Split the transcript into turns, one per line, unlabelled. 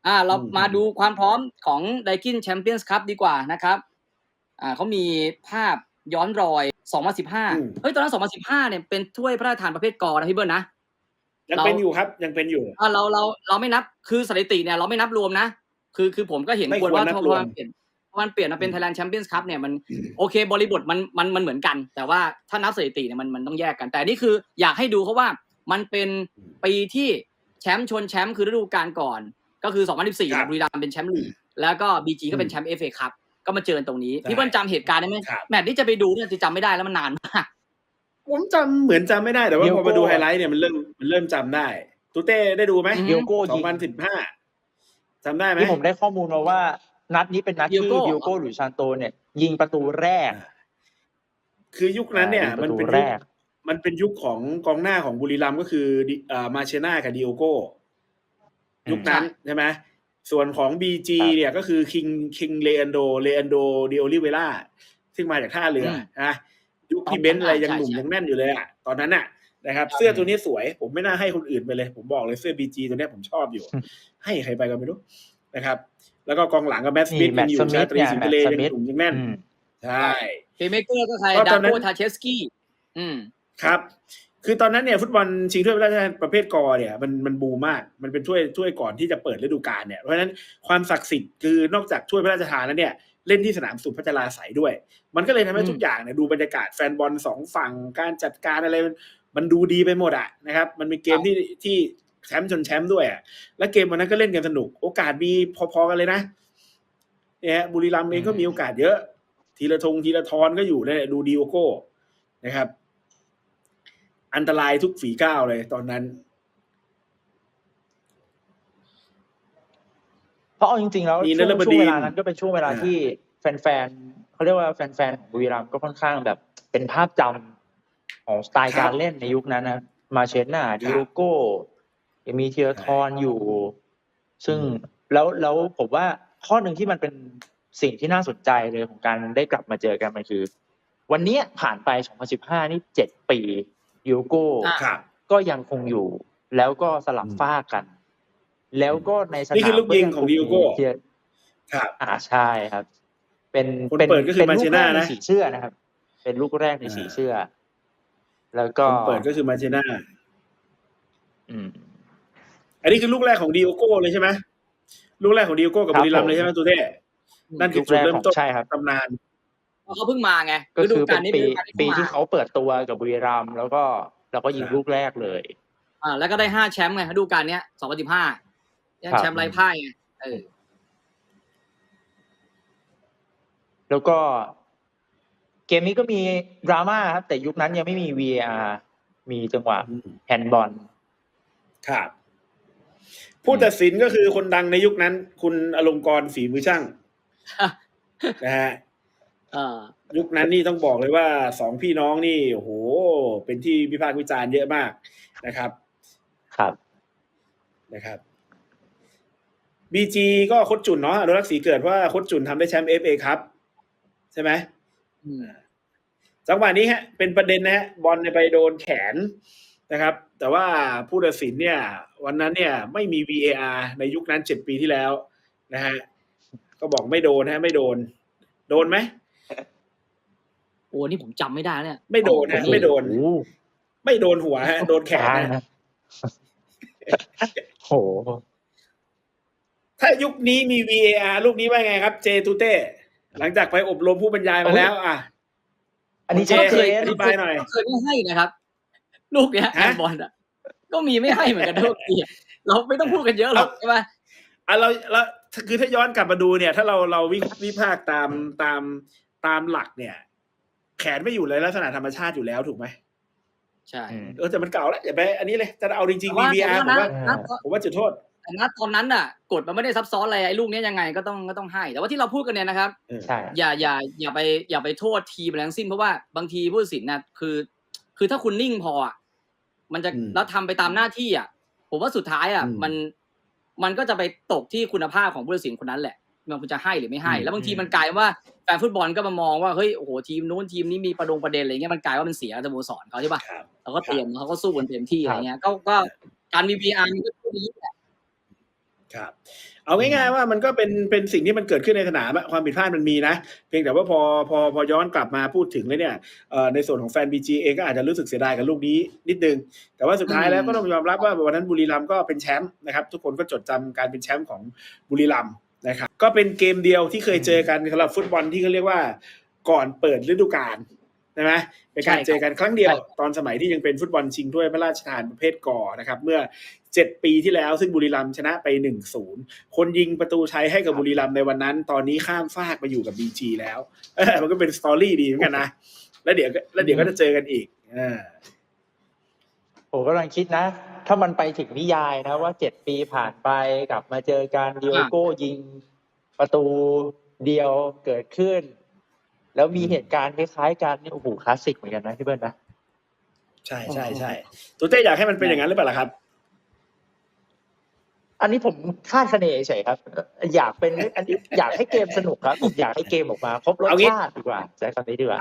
เรามาดูความพร้อมของ Daikin Champions Cup ดีกว่านะครับเขามีภาพย้อนรอย2015เฮ้ยตอนนั้น2015เนี่ยเป็นถ้วยพระราชทานประเภทกนะพี่เบิ้ลนะ
ยังเป็นอยู่ครับยังเป็นอยู่
เราไม่นับคือสถิติเนี่ยเราไม่นับรวมนะคือผมก็เห็นควรว่าพอมันเปลี่ยนมาเป็น Thailand Champions Cup เนี่ยมันโอเคบริบทมันเหมือนกันแต่ว่าถ้านับสถิติเนี่ยมันต้องแยกกันแต่นี่คืออยากให้ดูเพราะว่ามันเป็นปีที่แชมป์ชนแชมป์คือฤดูกาลก่อนก็คือ2014บุรีรัมย์เป็นแชมป์ลีกแล้วก็ BG ก็เป็นแชมป์ FA Cup ก็มาเจอตรงนี้พี่เบิ้ลจำเหตุการณ์ได้ไหมแมตช์ที่จะไปดูเนี่ยจะจำไม่ได้แล้วมันนานมาก
ผมจำเหมือนจำไม่ได้แต่ว่าพอมาดูไฮไลท์เนี่ยมันเริ่มจำได้ตูเต้ได้ดูไหม
เดียโก้
2015จำได้ไหม
ที่ผมได้ข้อมูลมาว่านัดนี้เป็นนัดที่เดียโก้หรือซานโตเนี่ยยิงประตูแรก
คือยุคนั้นเนี่ยมันเป็นยุคของกองหน้าของบุรีรัมย์ก็คือมาเชน่ากับดิโอโก้ยุคนั้นใช่ไหมส่วนของ BG เนี่ยก็คือคิงเลอันโดดิโอลิเวล่าซึ่งมาจากท่าเรือนะยุคที่เบนซ์อะไรยังหนุ่มยังแน่นอยู่เลยอ่ะตอนนั้นน่ะนะครับเสื้อตัวนี้สวยผมไม่น่าให้คนอื่นไปเลยผมบอกเลยเสื้อ BG ตัวนี้ผมชอบอยู่ให้ใครไปก็ไม่รู้นะครับแล้วก็กองหลังกับแมตต์สมิธยังอยู่ชาตรีสิงห์ทะเลยังหนุ่มยังแน่นใช่
เพลย์เมเกอร์ก็ใครดาโกทาเชสกี้
ครับคือตอนนั้นเนี่ยฟุตบอลชิงถ้วยพระราชทานประเภทกเนี่ยมันบูมมากมันเป็นถ้วยก่อนที่จะเปิดฤดูกาลเนี่ยเพราะฉะนั้นความศักดิ์สิทธิ์คือนอกจากถ้วยพระราชทานแล้วเนี่ยเล่นที่สนามสุพัชราไสยด้วยมันก็เลยทำให้ทุกอย่างเนี่ยดูบรรยากาศแฟนบอลสองฝั่งการจัดการอะไรมันดูดีไปหมดอ่ะนะครับมันเป็นเกมที่แชมป์ชนแชมป์ด้วยอ่ะและเกมวันนั้นก็เล่นกันสนุกโอกาสมีพอๆกันเลยนะเนี่ยบุรีรัมย์เองก็มีโอกาสเยอะทีละทอนก็อยู่เนี่ยดูดิโอโก้นะครับอันตรายทุกฝีก้าวเลยตอนนั้น
เพราะเอาจริงๆแล้วช่วงเวลานั้นก็เป็นช่วงเวลาที่แฟนๆเขาเรียกว่าแฟนๆของบุรีรัมย์ก็ค่อนข้างแบบเป็นภาพจำของสไตล์การเล่นในยุคนั้นนะมาเชน่าดิโอโก้มีธีรทรอยู่ซึ่งแล้วผมว่าข้อหนึ่งที่มันเป็นสิ่งที่น่าสนใจเลยของการได้กลับมาเจอกันมันคือวันนี้ผ่านไป2015นี่7ปีดิโอโก้ก็ยังคงอยู่แล้วก็สลับฟากกันแล้วก็ในสนาม
นี่คือลูกยิงของดิโอโก้
ครับใช่ครับเป็น
ก็คือมาเชน่านะ
สีเสื้อนะครับเป็นลูกแรกในสีเสื้อแล้วก็
เปิดก็คือมาเชน่าอันนี้คือลูกแรกของดิโอโก้เลยใช่ไหมลูกแรกของดิโอโก้กับบุรีรัมย์เลยใช่ไหมตัวเท่นั่นคือจุดเริ่มต้นตำนาน
เขาเพิ่งมาไง
ก็คือเป็นปีที่เขาเปิดตัวกับบุรีรัมย์แล้วก็ยิงลูกแรกเลย
แล้วก็ได้5แชมป์ไงฤดูกาลเนี้ย2015แชมป์ไร้พ่ายไง
แล้วก็เกมนี้ก็มีดราม่าครับแต่ยุคนั้นยังไม่มี VAR มีจังหวะแฮนด์บอล
ครับผู้ตัดสินก็คือคนดังในยุคนั้นคุณอลงกรณ์ฝีมือช่างนะฮะยุคนั้นนี่ต้องบอกเลยว่า2พี่น้องนี่โอ้โหเป็นที่วิพากษ์วิจารณ์เยอะมากนะครับนะครับ BG ก็โค้ชจุนเนาะอนุรักษ์ศรีเกิดว่าโค้ชจุนทำได้แชมป์ FA ครับใช่ไหมจังหวะนี้ฮะเป็นประเด็นนะฮะบอลไปโดนแขนนะครับแต่ว่าผู้ตัดสินเนี่ยวันนั้นเนี่ยไม่มี VAR ในยุคนั้น7ปีที่แล้วนะฮะก็บอกไม่โดนฮะไม่โดนไหม
โอ้นี่ผมจำไม่ได้เนี่ย
ไม่โดนฮะไม่โดนหัวฮะโดนแขนนะ
โห
ถ้ายุคนี้มี VAR ลูกนี้ว่าไงครับเจตูเต้หลังจากไปอบรมผู้บรรยายมาแล้ว
อันนี้
เคย
อธิบายหน่อย
เคยไม่ให้นะครับลูกเนี้ยแฮนด์บอลก็มีไม่ให้เหมือนกันทุกทีเราไม่ต้องพูดกันเยอะหรอกใช่ไหม
เราคือถ้าย้อนกลับมาดูเนี่ยถ้าเราวิพากษ์ตามหลักเนี่ยแขนไม่อยู่เลยลักษณะธรรมชาติอยู่แล้วถูกไหม
ใช่
แต่มันเก่าแล้วอย่าไปอันนี้เลยจะเอาจริงๆ VAR ผมว่าจุดโทษ
แต่ณตอนนั้นน่ะกฎมันไม่ได้ซับซ้อนอะไรไอ้ลูกนี้ยังไงก็ต้องให้แต่ว่าที่เราพูดกันเนี่ยนะครับอย่าไปโทษทีมอะไรทั้งสิ้นเพราะว่าบางทีผู้ตัดสินน่ะคือถ้าคุณนิ่งพอมันจะแล้วทำไปตามหน้าที่ผมว่าสุดท้ายมันก็จะไปตกที่คุณภาพของผู้ตัดสินคนนั้นแหละมันจะให้หรือไม่ให้แล้วบางทีมันกลายว่าแฟนฟุตบอลก็มามองว่าเฮ้ยโอ้โหทีมนู้นทีมนี้มีประเด็นอะไรเงี้ยมันกลายว่ามันเสียสโมสรเขาใช่ป่ะแล้วก็เตรียมเขาก็สู้กันเต็มที่อะไรเงี้ยก็การมี VR มันก็ดีแหละ
ครับเอาง่ายๆว่ามันก็เป็นสิ่งที่มันเกิดขึ้นในสนามความผิดพลาดมันมีนะเพียงแต่ว่าพอย้อนกลับมาพูดถึงแล้วเนี่ยในส่วนของแฟน BG เองก็อาจจะรู้สึกเสียดายกับลูกนี้นิดนึงแต่ว่าสุดท้ายแล้วก็ต้องยอมรับว่าวันนั้นบุรีรัมย์ก็เป็นแชมป์นะครับทุกคนก็จดจำการเป็นแชมป์ของบุรีรัมย์นะครับก็เป็นเกมเดียวที่เคยเจอกันสำหรับฟุตบอลที่เขาเรียกว่าก่อนเปิดฤดูกาลใช่ไหมเป็นการเจอกันครั้งเดียวตอนสมัยที่ยังเป็นฟุตบอลชิงถ้วยพระราชทานประเภทกนะครับเมื่อ7 ปีที่แล้วซึ่งบุรีรัมย์ชนะไป 1-0 คนยิงประตูชัยให้กับบุรีรัมย์ในวันนั้นตอนนี้ข้ามฟากมาอยู่กับ BG แล้วมันก็เป็นสตอรี่ดีเหมือนกันนะแล้วเดี๋ยวก็จะเจอกันอีก
ผมกำลังคิดนะถ้ามันไปถึงนิยายนะว่า7 ปีผ่านไปกลับมาเจอกันดิโอโก้ยิงประตูเดียวเกิดขึ้นแล้วมีเหตุการณ์คล้ายๆกันนี่โอ้โหคลาสสิกเหมือนกันนะพี่เบิ้ลนะ
ใช่ตัวเต้อยากให้มันเป็นอย่างนั้นหรือเปล่าล่ะครับ
อันนี้ผมคาดคะเนเฉยครับอยากเป็นอันนี้อยากให้เกมสนุกครับผมอยากให้เกมออกมาครบรสชาติดีกว่าใช้คำนี้ดีกว่า